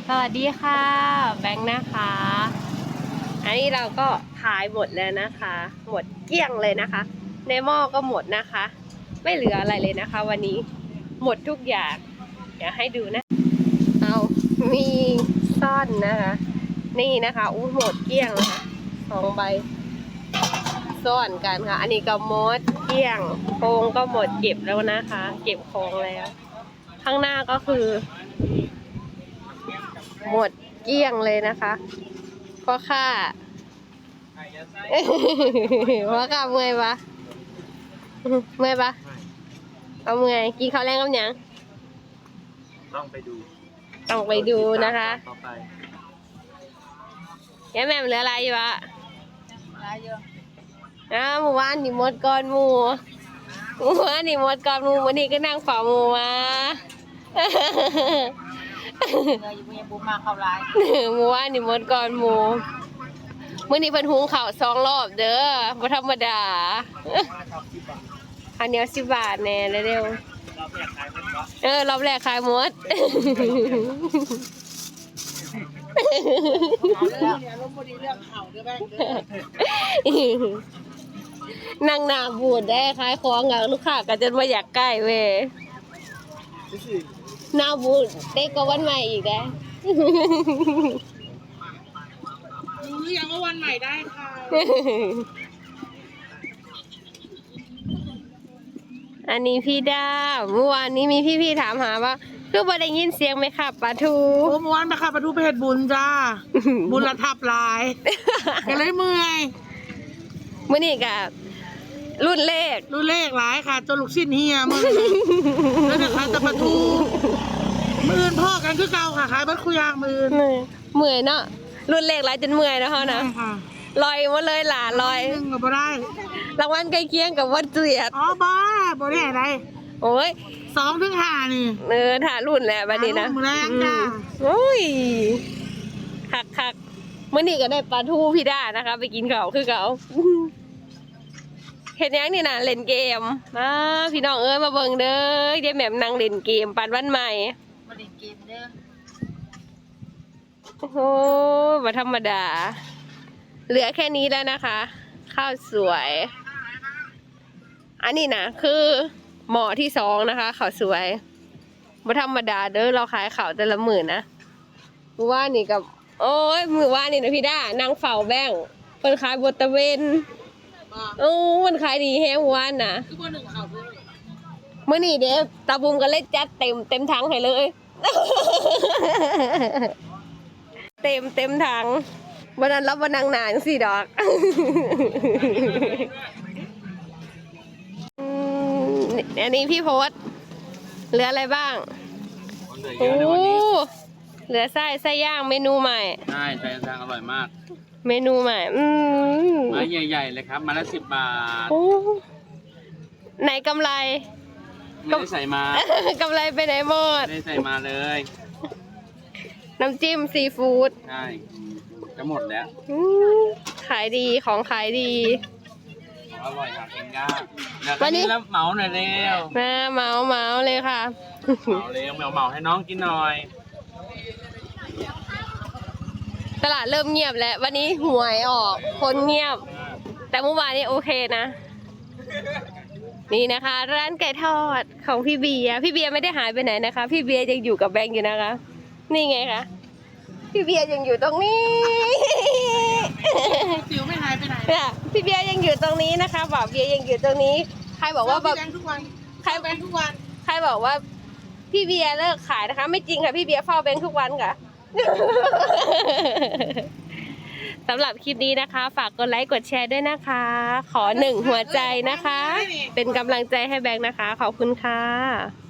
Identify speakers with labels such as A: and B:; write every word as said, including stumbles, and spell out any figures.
A: สวัสดีค่ะแบงค์นะคะอันนี้เราก็ขายหมดแล้วนะคะหมดเกลี้ยงเลยนะคะในหม้อก็หมดนะคะไม่เหลืออะไรเลยนะคะวันนี้หมดทุกอย่างเดี๋ยวให้ดูนะเอามีซ่อนนะคะนี่นะคะอู้หมดเกลี้ยงนะคะสองใบซ่อนกันค่ะอันนี้ก็หมดเกลี้ยงโครงก็หมดเก็บแล้วนะคะเก็บโครงแล้วข้างหน้าก็คือหมดเกลี้ยงเลยนะคะเพราะค่า เพราะค่าเมื่อยปะเมื่อยปะเอาเมื่อยกินข้าวแรงกับยัง
B: ต้องไปดู
A: ต้องไปดูนะคะ
B: ต่อไป
A: แกแม่เหลืออะไรอยู่วะ
C: อะไรเยอะ
A: อ้าวหมู่บ้านนี่หมดก่อนหมู่หมู่บ้านนี่หมดก่อนหมู่วันนี้ก็นั่งฝ่าหมู่มา
C: เงยอยู่ยังบุ้มมาเข้าร้าย
A: หมู่บ้านนี่หมดก่อนหมู่มื้อนี้เพิ่นหุงข้าวสองรอบเด้อบ่ธรรมดาอันนี้สิบบาทแน่เร็วๆเออรอบแรกขายหมดนั่งหน้าบูดได้ขายของกับลูกค้าก็จะมาอยากใกล้เว้ยหน้าบูดเด็กก็วันใหม่อีกได้
C: รู้ยังว่าวันใหม่ได้ค่ะ
A: อันนี้พี่ดาวเมื่อวานนี้มีพี่ๆถามหาว่าคือบ่ได้ยินเสียงไหมครับปลาทู
C: โอ้เมื่อวานไปค่ะปลาทูไปเฮ็ดบุญจ้าบุญละทับลายก็เลยเมื่อย
A: มื้อนี้ก็รุ่นเลข
C: รุ่นเลขหลายค่ะจนลูกชิ้นเฮียมึงแล้วจะขายแต่ปลาทูมือนพ่อกันคือเก่าค่ะขายบัตรคุยางมือน
A: เมื่อยเนาะรุ่นเลขหลายจนเมื่อยแล้วเฮานะลอยมาเลยหล่ะลอย
C: นึงก็บ่ได้
A: รางวัลใกล้เคียงกับวันเจียด
C: อ๋อบ้าบ่ได้อะไร
A: โอ้ย
C: สองถึงห้านี่
A: เออถ่ารุ่นแหละบัดนี้นะ
C: มื้อแรงจ้า
A: โอ้ยคักๆมื้อนี้ก็ได้ปลาทูพี่ด้านะคะไปกินข้าวคือเก่าเฮ็ดยังนี่น่ะเล่นเกมมาพี่น้องเอ้ยมาเบิ่งเด้อยายแหม่มนั่งเล่นเกมปานวันใหม่
C: มาเล่นเกมเด้อ
A: โอ้โหบ่ธรรมดาเหลือแค่นี้แล้วนะคะข้าวสวยอันนี้นะคือหม้อที่สองนะคะข้าวสวยบ่ธรรมดาเด้อเราขายข้าวแต่ละมื้อนะมื้อวานนี่กับโอ้ยมื้อวานนี่นะพี่ด้านั่งเฝ้าแบงค์เพิ่นขายบนตะเวนโอ้มันขายดีแฮงมื้อวานน่ะ
C: คือบ่หนึ่งข้าวเด้อ
A: มื้อนี้เด้ตาบุมก็เลยจัดเต็มเต็มถังให้เลยเต็มเต็มถังวันนั้นรับวันนางนานสี่ดอกอันนี้พี่โพสเหลืออะไรบ้างโอ้เหลือไส้ไส้ย่างเมนูใหม่
B: ใช่ไส้ย่างอร่อยมาก
A: เมนูใหม่อืม
B: ไม้ใหญ่ๆเลยครับมาละสิบบาท
A: ไหนกำไร
B: ไม่ได้ใส่มาก
A: ำไรไปไหนหมด
B: ไม่ได้ใส่มาเลย
A: น้ำจิ้มซีฟู้ด
B: ใช่จะหมดแล้ว
A: ขายดีของขายดี
B: อร่อยครับเองก้าวันนี้แล้วเหมาหน่อยเร็ว
A: มาเหมาเหมาเลยค่ะ
B: เหมาเร็วเหมาเหมาให้น้องกินหน่อย
A: ตลาดเริ่มเงียบแล้ววันนี้หวยออกคนเงียบแต่เมื่อวานนี้โอเคนะนี่นะคะร้านไก่ทอดของพี่เบียร์พี่เบียร์ไม่ได้หายไปไหนนะคะพี่เบียร์ยังอยู่กับแบงค์อยู่นะคะนี่ไงคะพี่เบียร์ยังอยู่ตรงนี้
C: สิวไม่หายไปไหน
A: พี่เบียร์ยังอยู่ตรงนี้นะคะบ่าวเบียร์ยังอยู่ตรงนี้ใครบอกว่าแบบ
C: ทุกวันใครแบงค์ทุกวัน
A: ใครบอกว่าพี่เบียร์เลิกขายนะคะไม่จริงค่ะพี่เบียร์เฝ้าแบงค์ทุกวันค่ะสำหรับคลิปนี้นะคะฝากกดไลค์กดแชร์ด้วยนะคะขอหนึ่งหัวใจนะคะเป็นกำลังใจให้แบงค์นะคะขอบคุณค่ะ